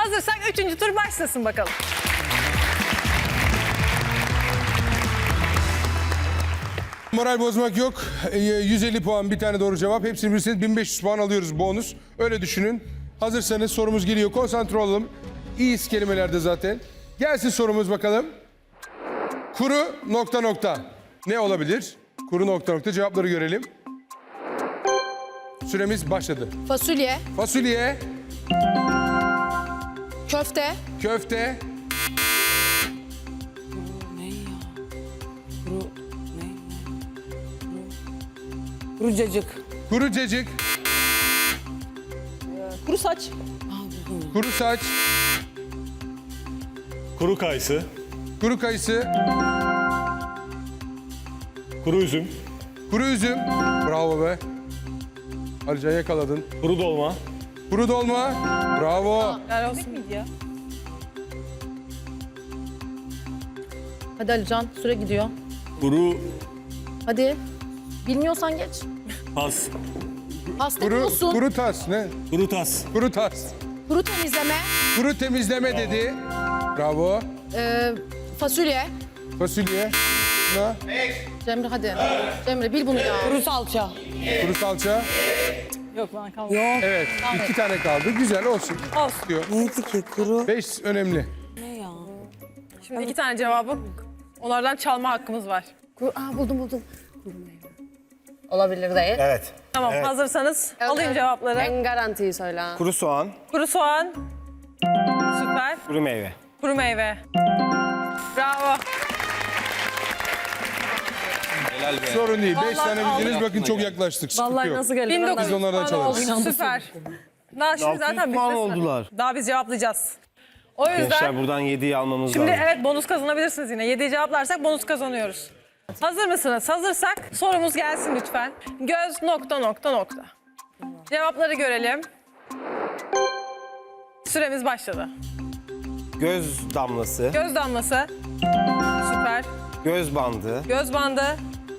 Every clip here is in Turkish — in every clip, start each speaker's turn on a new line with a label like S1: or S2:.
S1: Hazırsak 3. tur başlasın bakalım.
S2: Moral bozmak yok. 150 puan bir tane doğru cevap. Hepsini bilirseniz 1500 puan alıyoruz bonus. Öyle düşünün. Hazırsanız sorumuz geliyor. Konsantre olalım. İyi kelimelerde zaten. Gelsin sorumuz bakalım. Kuru ... Ne olabilir? Kuru ... Cevapları görelim. Süremiz başladı.
S3: Fasulye,
S2: Fasulye,
S3: köfte,
S2: köfte,
S4: Kuru cacık.
S2: kuru cacık,
S4: Kuru saç.
S2: kuru saç,
S5: Kuru kayısı,
S2: kuru kayısı,
S5: kuru üzüm,
S2: kuru üzüm. Bravo be. Alican yakaladın.
S5: kuru dolma,
S2: Kuru dolma. Bravo.
S1: Helal olsun miydi ya?
S3: Hadi Alican, süre gidiyor.
S5: kuru
S3: Hadi. Bilmiyorsan geç.
S5: pas,
S3: Hasta
S2: Kuru,
S3: musun?
S2: kuru tas. Ne?
S5: kuru tas,
S2: Kuru tas.
S3: Kuru temizleme,
S2: Kuru temizleme dedi. Bravo.
S3: fasulye.
S2: Fasulye. Ne?
S3: Cemre hadi. Cemre bil bunu ya.
S4: Kuru salça.
S2: Kuru salça.
S1: Yok bana kalmadı.
S4: Yok.
S2: Evet. 2 tane kaldı. Güzel olsun.
S1: Olsun.
S2: Diyor.
S4: Neydi ki kuru?
S2: 5 önemli.
S4: Ne ya?
S1: Şimdi 2 tane cevabı onlardan çalma hakkımız var.
S3: Buldum. Olabilir değil.
S6: Evet.
S1: Tamam hazırsanız alayım cevapları.
S3: En garantiyi söyle.
S6: Kuru soğan,
S1: Kuru soğan. Süper.
S6: kuru meyve.
S1: Kuru meyve. Bravo.
S2: Sorun değil. 5
S1: Vallahi
S2: tane bildiniz.
S1: aldım.
S2: Bakın çok yaklaştık. Sıkıntı yok.
S3: geldi?
S1: 1900
S2: Biz onlardan
S1: puan oldu.
S2: çalarız.
S1: Süper. Daha şimdi zaten
S6: puan
S1: bitmesine.
S6: oldular.
S1: Daha biz cevaplayacağız. O yüzden
S6: Gençler buradan 7'yi almamız
S1: şimdi
S6: lazım.
S1: evet bonus kazanabilirsiniz yine. 7'yi cevaplarsak bonus kazanıyoruz. Hazır mısınız? Hazırsak sorumuz gelsin lütfen. Göz ... Cevapları görelim. Süremiz başladı.
S6: Göz damlası,
S1: Göz damlası. Süper.
S6: göz bandı,
S1: Göz bandı.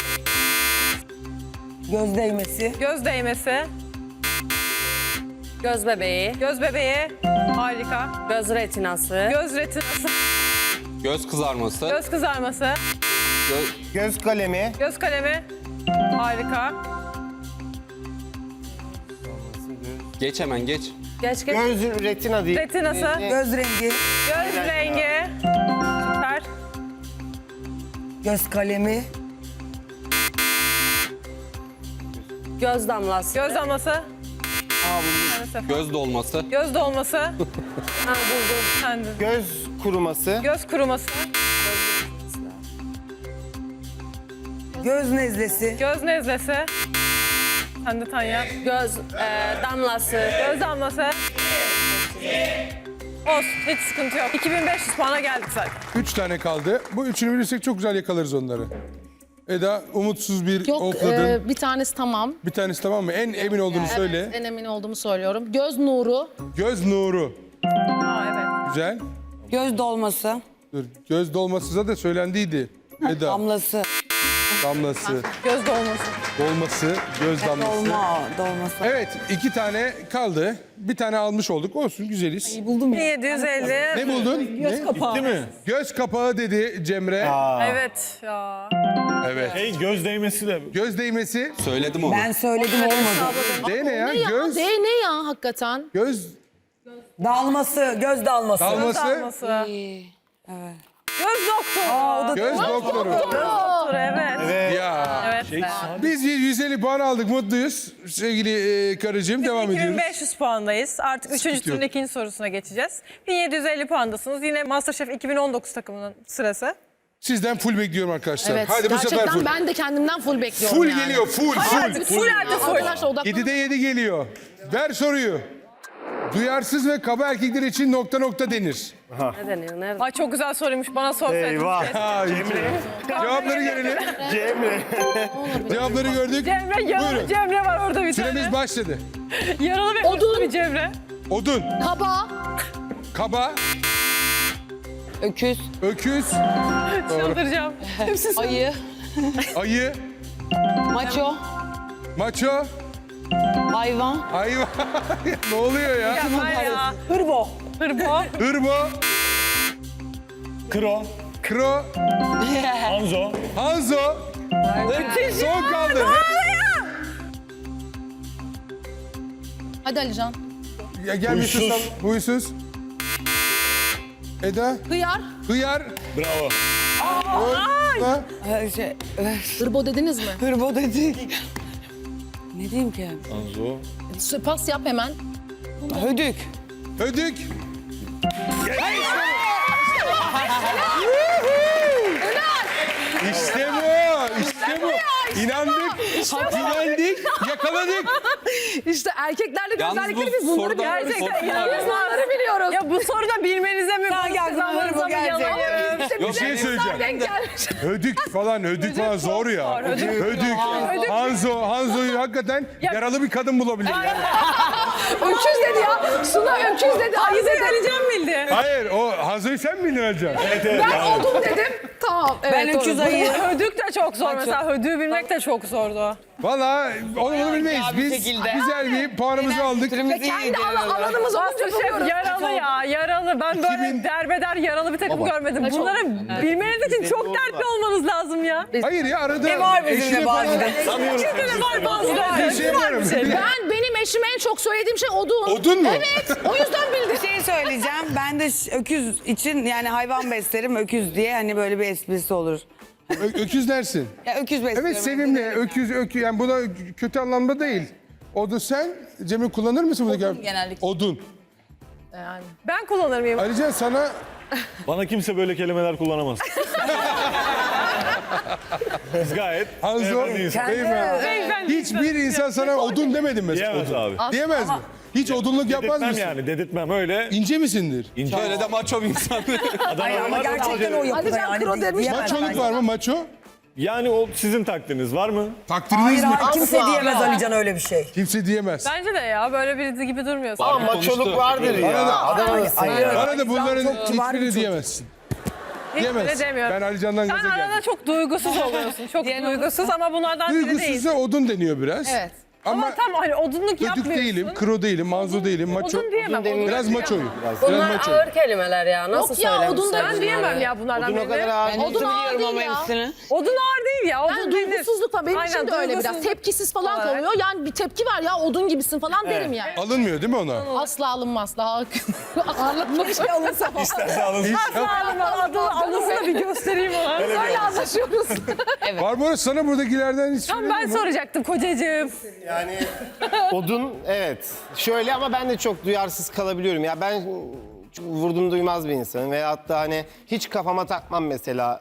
S4: Göz değmesi.
S1: Göz değmesi.
S3: Göz bebeği,
S1: Göz bebeği. Harika.
S3: göz retinası,
S1: Göz retinası.
S7: Göz kızarması,
S1: Göz kızarması.
S6: göz kalemi,
S1: Göz kalemi. Harika.
S7: geç hemen geç.
S3: geç.
S6: göz retina değil.
S1: Retinası.
S4: Göz rengi.
S1: Göz rengi. Süper.
S4: Göz kalemi.
S3: Göz damlası.
S1: Göz damlası.
S7: Göz dolması,
S1: Göz dolması.
S3: Ha, buldum.
S1: Sen de.
S6: Göz kuruması,
S1: Göz kuruması.
S4: Göz nezlesi.
S1: Göz nezlesi. Sen de Tanya.
S3: Göz damlası.
S1: Göz damlası. Olsun. Hiç sıkıntı yok. 2500 puana geldik zaten.
S2: 3 tane kaldı. Bu üçünü bilirsek çok güzel yakalarız onları. Eda umutsuz bir
S3: Yok
S2: okladın.
S3: bir tanesi tamam.
S2: Bir tanesi tamam mı? En emin olduğunu söyle.
S3: En emin olduğumu söylüyorum. Göz nuru,
S2: Göz nuru.
S1: Aa evet.
S2: Güzel.
S4: Göz dolması.
S2: Dur. Göz dolması da söylendiydi. Eda.
S4: Damlası.
S2: Damlası.
S1: Göz dolması.
S2: Dolması. Göz damlası.
S4: Dolması.
S2: Evet. 2 tane kaldı. Bir tane almış olduk. Olsun güzeliz.
S4: Buldum ya.
S1: 1750.
S2: Ne buldun?
S4: Göz kapağı.
S5: değil mi?
S2: Göz kapağı dedi Cemre.
S1: Evet ya.
S2: Evet.
S5: Göz değmesi de.
S2: Göz değmesi.
S7: söyledim onu.
S4: Ben söyledim olmadı.
S2: D ne ya?
S3: ne ya?
S2: Göz.
S3: D ne ya hakikaten?
S2: Göz
S4: Dalması. Göz dalması.
S2: dalması.
S1: Dalması. Göz doktoru.
S2: Göz doktoru.
S1: Doktoru evet.
S2: Ya.
S1: Evet.
S2: Biz 150 puan aldık. Mutluyuz. Sevgili karıcığım devam ediyoruz.
S1: 2500 puandayız. Artık 3.
S2: Sıkıntı
S1: turun
S2: yok.
S1: ikinci sorusuna geçeceğiz. 1750 puandasınız. Yine MasterChef 2019 takımının sırası.
S2: Sizden full bekliyorum arkadaşlar.
S3: Evet.
S2: Hadi bu sefer
S3: gerçekten
S2: full.
S3: ben de kendimden full bekliyorum
S2: Full
S3: yani.
S2: geliyor. Full.
S1: Full halde full.
S3: Arkadaşlar odaklanın.
S2: 7'de 7 geliyor. Ver soruyu. Duyarsız ve kaba erkekler için ... denir.
S3: Ne deniyor? Nerede?
S1: Ay çok güzel soruymuş. Bana sorsaydın.
S6: Eyvah.
S2: Cevapları görelim.
S6: Cemre.
S2: Cevapları gördük.
S1: Cemre yaralı
S2: Buyurun.
S1: Cemre var orada bir
S2: Süremiz
S1: tane.
S2: başladı.
S1: Yaralı ve hırslı bir Cemre.
S2: Odun,
S3: Kaba,
S2: kaba,
S4: Öküz.
S2: öküz,
S1: Çıldıracağım.
S3: ayı,
S2: ayı,
S4: Maço.
S2: maço,
S4: Hayvan.
S2: hayvan. Ne oluyor ya?
S1: Ya var ya.
S4: Hırbo.
S1: Hırbo.
S2: Hırbo.
S5: Kro.
S2: Kro.
S5: Hanzo.
S2: Hanzo. Son kaldı.
S3: Hadi Alican.
S2: Ya gel bir
S5: Huysuz.
S2: susalım. Huysuz. Eda.
S3: Hıyar.
S2: Hıyar.
S5: Bravo.
S2: Ha?
S3: Hırbo dediniz mi?
S4: Hırbo dedik. Ne diyeyim ki?
S5: Hanzo.
S3: Pas yap hemen.
S4: Hödük.
S2: Hödük. İşte bu. İşte bu. İnandık. Güvendik. Yakaladık.
S3: İşte erkeklerdeki
S7: Yalnız bu
S3: özellikleri biz bunları
S7: soruda
S3: gerçekten
S7: korkun var ya.
S3: inanıyoruz. Bunları biliyoruz.
S1: Ya bu soruda bilmenize mi?
S4: Sanki aklıma
S1: kazanmanıza
S4: hırbo
S1: mı
S4: gelecek.
S1: yalayım?
S2: Bir şey söyleyeceğim.
S3: Denk gelmiş.
S2: Hödük falan zor ya. Hödük. Hanzo'yu hakikaten yaralı bir kadın bulabilir. Yani.
S3: Öküz dedi ya. Suna öküz dedi. Ayı dedi.
S1: Alican bildi.
S2: Hayır, o Hanzo'yu sen bildin Alican.
S3: Ben odun dedim. Tamam. Evet,
S4: Ben öküz
S3: doğru.
S4: ayı.
S1: Hödük de çok zor mesela. Hödüğü bilmek de çok zordu.
S2: Valla onu bilmeyiz. Biz güzel bir puanımızı aldık.
S3: Kendi alanımız olunca
S1: Masterchef
S3: buluyoruz.
S1: yaralı ya, yaralı. Ben böyle
S2: 2000
S1: derbeder yaralı bir takım görmedim. Bunları bilmeniz için çok dertli olmanız lazım ya.
S2: Hayır ya arada
S4: Ne var bizim
S2: eşine
S4: de
S2: falan
S4: bazıda?
S1: Gerçekten de var bazıları.
S2: bir şey yaparım.
S3: Benim eşime en çok söylediğim şey odun.
S2: Odun mu?
S3: Evet. O yüzden bildim.
S4: Bir şey söyleyeceğim. Ben de öküz için yani hayvan beslerim öküz diye hani böyle bir esprisi olur.
S2: Öküz dersin.
S4: Ya öküz besliyorum.
S2: Evet sevimli. Öküz yani bu da kötü anlamda değil. Odun sen Cemil kullanır mısın bunu?
S4: Odun genellikle.
S2: Odun.
S1: Ben kullanır mıyım?
S2: Alican sana
S5: Bana kimse böyle kelimeler kullanamaz. Biz gayet
S2: Hanzo
S5: beyefendi insan.
S2: beyefendi. Hiçbir insan sana odun demedi mi mesela?
S5: Diyemez
S2: Odun.
S5: abi.
S2: Diyemez mi? Hiç odunluk yapmaz
S5: Dedirtmem
S2: mısın?
S5: yani, dedirtmem öyle.
S2: İnce misindir?
S5: İnce
S7: Böyle de maço bir insan.
S4: Ay ama gerçekten o yapıda
S3: Alican
S4: yani.
S3: Kro demiş.
S4: diyemem
S2: Maçoluk
S4: ben.
S2: var mı maço?
S5: Yani o sizin takdiriniz var mı?
S2: Takdiriniz
S4: Hayır
S2: mi?
S4: hayır kimse diyemez Alican öyle bir şey.
S2: Kimse diyemez.
S1: Bence de ya böyle biri gibi durmuyorsun.
S6: Ama maçoluk vardır ya. Adam arası ya.
S2: Bana da bunların
S4: çok kibar bir
S2: hiçbirini
S4: çocuk.
S2: diyemezsin.
S1: Hiç
S2: Diyemez.
S1: bile demiyorum.
S2: Ben Alican'dan
S1: Sen
S2: gaza
S1: arada
S2: geldim.
S1: çok duygusuz oluyorsun. Çok duygusuz ama bunlardan biri değil.
S2: Duygusuzsa odun deniyor biraz.
S3: Evet.
S1: Ama tam hani odunluk
S2: Ödük
S1: yapmıyorsun.
S2: değilim, kro değilim, manzo değilim, maço.
S1: Odun diyemem. Odun
S2: Biraz maçoyum. Biraz
S8: Bunlar
S2: maçoyum.
S8: ağır kelimeler ya. Nasıl
S3: Yok ya
S8: söylemişler?
S3: odun da
S1: Ben diyemem ya bunlardan
S6: Odun o kadar
S1: birini.
S6: ağır.
S3: Odun ağır değil ya.
S1: Odun ağır değil ya.
S3: Ben
S1: Odun
S3: duygusuzluk var. Benim
S1: Aynen,
S3: için de öyle biraz.
S1: duygusuzluk
S3: Tepkisiz falan
S1: olarak.
S3: kalıyor. Yani bir tepki var ya odun gibisin falan derim yani.
S2: Alınmıyor değil mi ona?
S3: Asla alınmaz. Daha ağırlanmak şey alınsa falan.
S5: İsterse alın.
S1: Adını da bir göstereyim ona.
S3: Öyle anlaşıyoruz.
S2: Barbaros sana buradakilerden hiç
S1: Tam ben soracaktım kocacığım.
S6: Yani odun evet. Şöyle ama ben de çok duyarsız kalabiliyorum. Ya ben çok vurdum duymaz bir insanım. Veyahut da hani hiç kafama takmam mesela.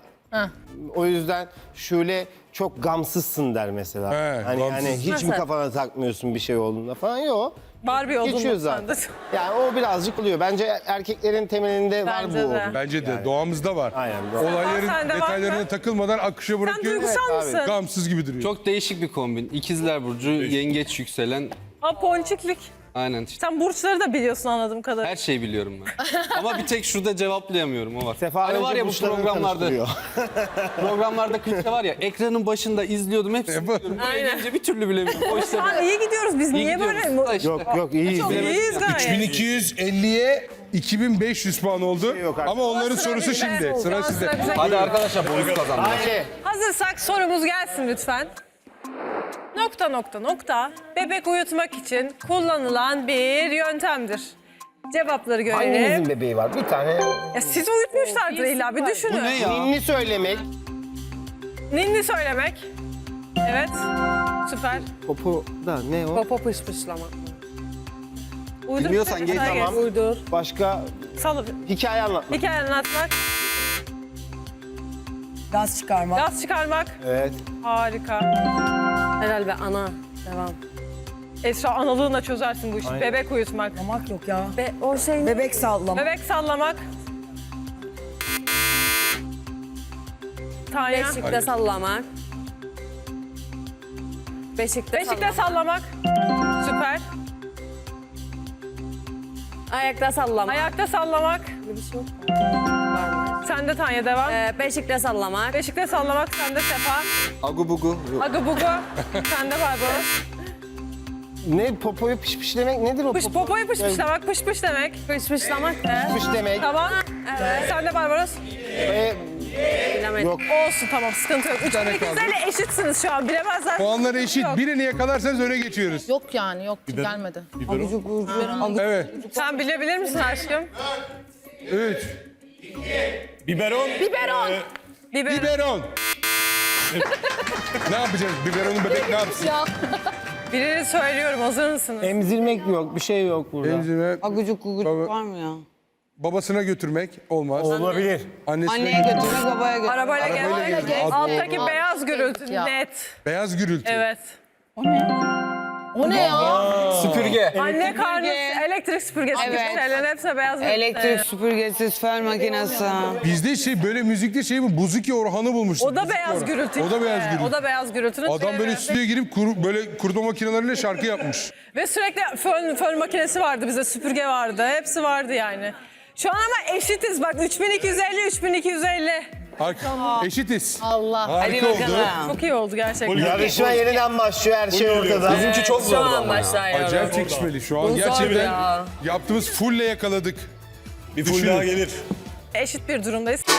S6: O yüzden şöyle çok gamsızsın der mesela.
S2: He,
S6: hani
S2: gamsız.
S6: hiç mi
S1: Nasıl?
S6: kafana takmıyorsun bir şey olduğunda falan yok.
S1: Barbie odunluk
S6: Geçiyor zaten.
S1: sandı.
S6: Yani o birazcık oluyor. Bence erkeklerin temelinde var
S1: Bence
S6: bu
S1: de.
S6: odun.
S2: Bence de doğamızda var.
S6: Aynen, doğru.
S2: Olayların
S1: Sende var
S2: detaylarına
S1: mı?
S2: takılmadan akışa
S1: Sen
S2: bırakıyor.
S1: duygusal mısın?
S2: Gamsız gibi duruyor.
S7: Çok değişik bir kombin. İkizler Burcu, yengeç yükselen.
S1: Ha ponçiklik.
S7: Aynen işte.
S1: Sen burçları da biliyorsun anladığım kadarıyla.
S7: Her şeyi biliyorum ben. Ama bir tek şurada cevaplayamıyorum o var.
S6: Sefa
S7: Hani var
S6: önce
S7: ya bu
S6: burçlarını
S7: programlarda.
S6: tanıştırıyor.
S7: Programlarda klipte var ya ekranın başında izliyordum hepsini biliyorum. Buraya gelince bir türlü bilemiyorum. O işte
S1: Aa, iyi gidiyoruz biz. Niye böyle?
S7: işte.
S6: Yok iyiyiz.
S1: Çok iyiyiz gayet.
S2: 3250'ye 2500 puan oldu.
S6: Yok artık.
S2: Ama onların
S1: Sıra
S2: sorusu
S1: bize.
S2: şimdi. Sıra sizde.
S1: bize.
S7: Hadi arkadaşlar bonus kazandık.
S6: Hadi.
S1: Hazırsak sorumuz gelsin lütfen. Nokta nokta nokta bebek uyutmak için kullanılan bir yöntemdir. Cevapları görelim.
S6: Hanginizin bebeği var? Bir tane
S1: Ya siz uyutmuşlardır illa bir düşünün.
S7: Bu ne ya?
S6: ninni söylemek.
S1: Ninni söylemek. Evet. Süper.
S6: Popo da ne o?
S8: Popo pışpışlama.
S1: Uydur.
S7: Bilmiyorsan geç.
S6: Tamam.
S8: Uydur.
S6: Başka
S1: Salı.
S6: hikaye anlatmak.
S1: Hikaye anlatmak.
S4: Gaz çıkarmak.
S1: Gaz çıkarmak.
S6: Evet.
S1: Harika.
S8: Helal ve ana. Devam.
S1: Esra analığınla çözersin bu işi.
S6: Aynen.
S1: Bebek uyutmak.
S4: Sallamak yok ya.
S8: Ve o şey
S4: Bebek sallama.
S1: Bebek sallamak. Tanya.
S8: beşikte sallamak. Beşikte
S1: Beşikte sallamak. Süper.
S8: Ayakta sallamak.
S1: Ayakta sallamak.
S8: Bir şey yok.
S1: Sen de Tanya devam.
S8: Beşikte sallamak.
S1: Beşikte sallamak. Sen de Sefa.
S7: Agu bugu.
S1: Agı bugu. Sen de Barbaros.
S6: Ne popoyu pişpişlemek nedir o?
S1: Popoyu pışpışlamak, pış demek.
S8: Pışpışlamak ne?
S6: Pış demek.
S1: Tamam. Sen de Barbaros.
S8: Bilemedim.
S6: Yok.
S1: Olsun tamam sıkıntı yok. 3'te
S2: kaldı.
S1: eşitsiniz şu an bilemezler.
S2: Puanları eşit. Birini yakalarsanız öne geçiyoruz.
S3: Yok yani yok gelmedi.
S2: Evet.
S1: Sen bilebilir misin aşkım?
S2: 3.
S5: Biberon.
S3: Biberon.
S1: Biber.
S2: Biberon. Ne yapacağız? Biberonun bebek ne yapsın?
S1: Birini söylüyorum hazır mısınız?
S6: Emzirmek yok, bir şey yok burada.
S2: Emzirme,
S4: Agucuk gugucuk
S2: Baba-
S4: var mı ya?
S2: babasına götürmek olmaz.
S6: Olabilir.
S2: Annesine
S4: Anneye götürmek, babaya götürmek.
S1: Arabayla
S2: Arabayla
S1: gel.
S2: gezmek.
S1: Alttaki beyaz gürültü
S3: Ya.
S1: net.
S2: Beyaz gürültü.
S1: Evet.
S3: O ne ya?
S7: Süpürge.
S1: Anne karnı elektrik süpürgesi gibi
S4: Evet.
S1: şeylerin hepsi beyaz gürültü.
S4: Elektrik süpürgesi, fön makinesi.
S2: Bizde böyle müzikte mi? Buzuki Orhan'ı bulmuştuk.
S1: O da
S2: Buzuki
S1: beyaz
S2: Orhan.
S1: gürültü.
S2: O da beyaz
S1: işte.
S2: gürültü.
S1: O da beyaz gürültünün
S2: Adam böyle
S1: türevi.
S2: stüdyoya girip böyle kurutma makineleriyle şarkı yapmış.
S1: Ve sürekli fön makinesi vardı bizde, süpürge vardı. Hepsi vardı yani. Şu an ama eşitiz bak 3250.
S2: Eşitiz.
S3: Allah.
S2: Harika oldu.
S1: Çok iyi oldu gerçekten.
S6: Yarışma yeniden başlıyor, her şey ortada.
S7: Bizimki çok
S8: Şu
S7: zordu
S8: an
S7: ama ya.
S8: başlıyor.
S2: Acayip çekişmeli. Şu an
S8: Bu zordu
S2: gerçekten
S8: ya.
S2: yaptığımız fulle yakaladık.
S5: Bir full daha gelir.
S1: Eşit bir durumdayız.